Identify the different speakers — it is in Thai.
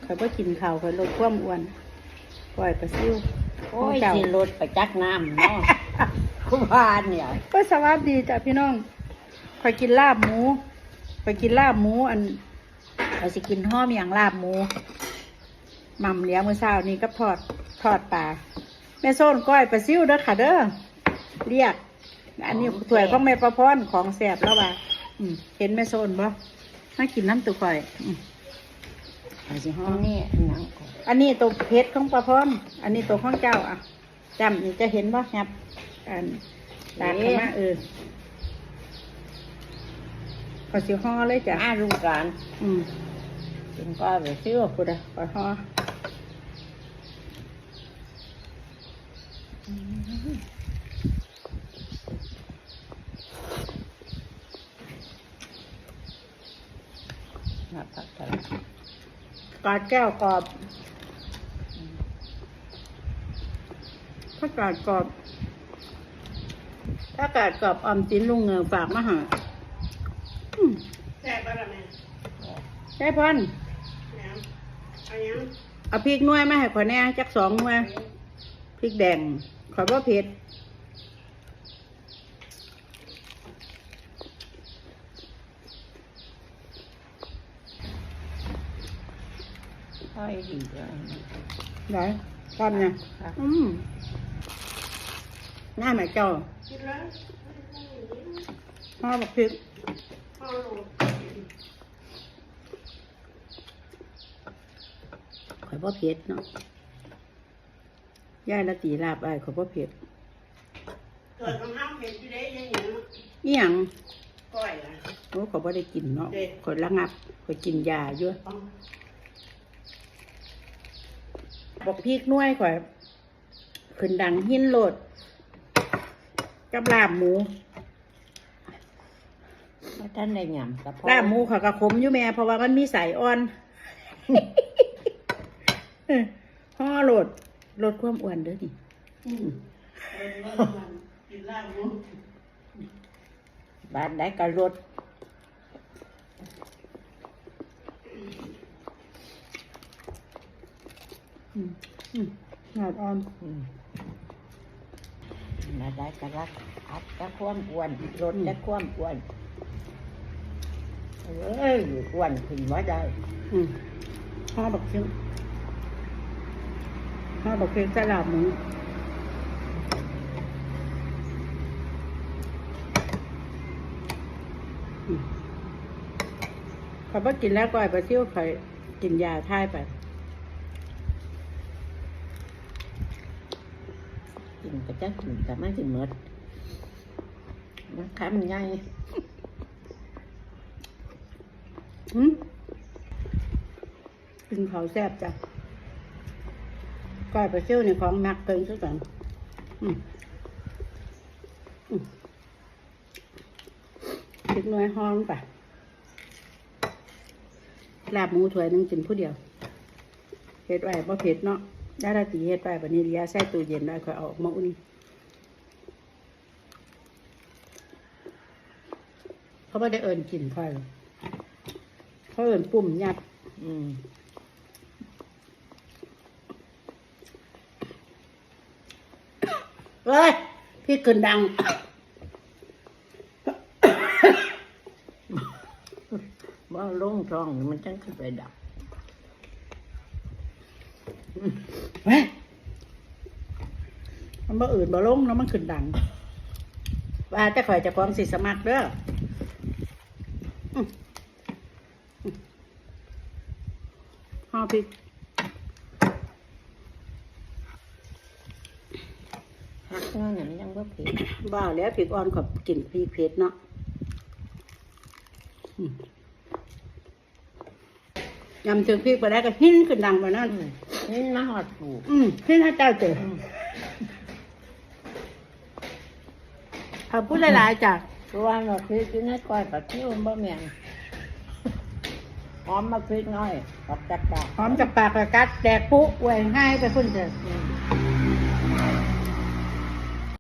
Speaker 1: ข่อยบ่กินข้าวข่อยลดความอ้วนปล่อยปลาซิว
Speaker 2: โอ้ยสิรถไปจักน้ำเนาะคุณพานเนี่ย
Speaker 1: ก็สวัสดีจ้ะพี่น้องข่อยกินลาบหมูข่อยกินลาบหมูอันข่อยสิกินห้อมอย่างลาบหมูหม่ำเลี้ยงมื้อเช้านี้กับทอดปลาแม่โซนก้อยปลาซิวเด้อค่ะเด้อเรียกอันนี้ถ้วยของแม่ประพรของแซ่บแล้วว่าเห็นแม่โซนบ่มากินน้ำตุข่อยข่อยสิห้อ
Speaker 2: อั
Speaker 1: ม
Speaker 2: นนี้หนัง
Speaker 1: อันนี้ตัวเพชรของประพรอันนี้ตัวของเจ้าอ่ะจำนี่จะเห็นบ่ครับอันตากขึ้นมาขอสิห่อเลยจ้ะ
Speaker 2: ลูกการ
Speaker 1: กินก้อยไปซิ้วกูได้ขอห่อ
Speaker 2: มาพักกัน
Speaker 1: กอดแก้วกรอบถ้ากาดกรอบออมสินลุงเงือฝากมาหาแซ่บป่ะล่ะแม่แซ่บพันเอาพริกหน่วยมาให้ข่อยแน่จัก2 หน่วยพริกแดงข่อยบ่เผ็ด
Speaker 2: ค่อยดีเลย
Speaker 1: ได้ทำเนี่ยหน้าแม่เจ้าพ่อบอกพริกข่อยบ่เผ็ดเนาะย่ายละตีลาบอ้ายข่อยบ่เผ็ด
Speaker 3: เกิดของห้ามเห็นที่ได้ยังอย่าง
Speaker 1: อีหยัง
Speaker 3: ก้อยล่ะ
Speaker 1: โอ้ข่อยบ่ได้กินเนาะข่อยระงับข่อยกินยาอยู่บอกพริกหน่วยข่อยขึ้นดังหินโลดกับลาบหมู
Speaker 2: มาท่านได้หยำกับพ่อ
Speaker 1: ลาบหมูข่อยก็ขมอยู่แม่เพราะว่ามันมีสายอ่อน ห่อโหลดความอ้วนเด้อนี่
Speaker 3: กินลาบหมู
Speaker 2: บ้านได้ก็รถ
Speaker 1: หอดอ่อน
Speaker 2: มาได้ก็รักอัดก็ความอ้วนรถได้ความอ้วนเอ้ยอ้วนขึ้นว่าได้
Speaker 1: ห่อบักเชียงห่อบักเชียงใส่ลาบหมูข้อยบ่กินแล้วก่อยไปเที่ยวข่อยกินยาท่ายไป
Speaker 2: กินก็จะกินแต่ไม่กินหมดมันคำใหญ่
Speaker 1: กินเขาวแซ่บจ้ะก่อยไปเที่ยวในของมักเกินซะก่อนคิดน้อยห้องไปลาบหมูถ้วยนึงกินผู้เดียวเฮ็ดไว้บ่เผ็ดเนาะได้ละตีเฮ็ดไว้บัดนี้เลียใส่ตู้เย็นไว้ค่อยเอาออกมาอุ่นเขาบ่ได้เอิ้นกินค่อยหรอกเขาเอิ้นปุ่มยัดเฮ้ยพี่ขึ้นดัง
Speaker 2: ว่าลงท้องมันจังขึ้นไปดับ
Speaker 1: เฮ้ยมันบ่อื่นบ่ลงเนาะมันขึ้นดังว่าแต่ข่อยจะความสิสมัครเด้อห่อพริก
Speaker 2: หักเงินมันยังบ่ผิด
Speaker 1: บ้าแล้วพริกอ่อนกับกินพริกเผ็ดเนาะยำถึงพริกไปได้ก็หิ้นขึ้นดังไปนั่น
Speaker 2: นี่มาหอดปลูก
Speaker 1: หิ้นให้เจ้าเจอเอาพูดหลายๆจ้ะ
Speaker 2: ตัวมาพริกอยู่ในก้อยปลาทิ้วบ่แม่นหอมมาพริกน้อยกับจับปาก
Speaker 1: หอมจากปากกระกัดแดกปุ๊แหวงให้ไปพุ่นเจอ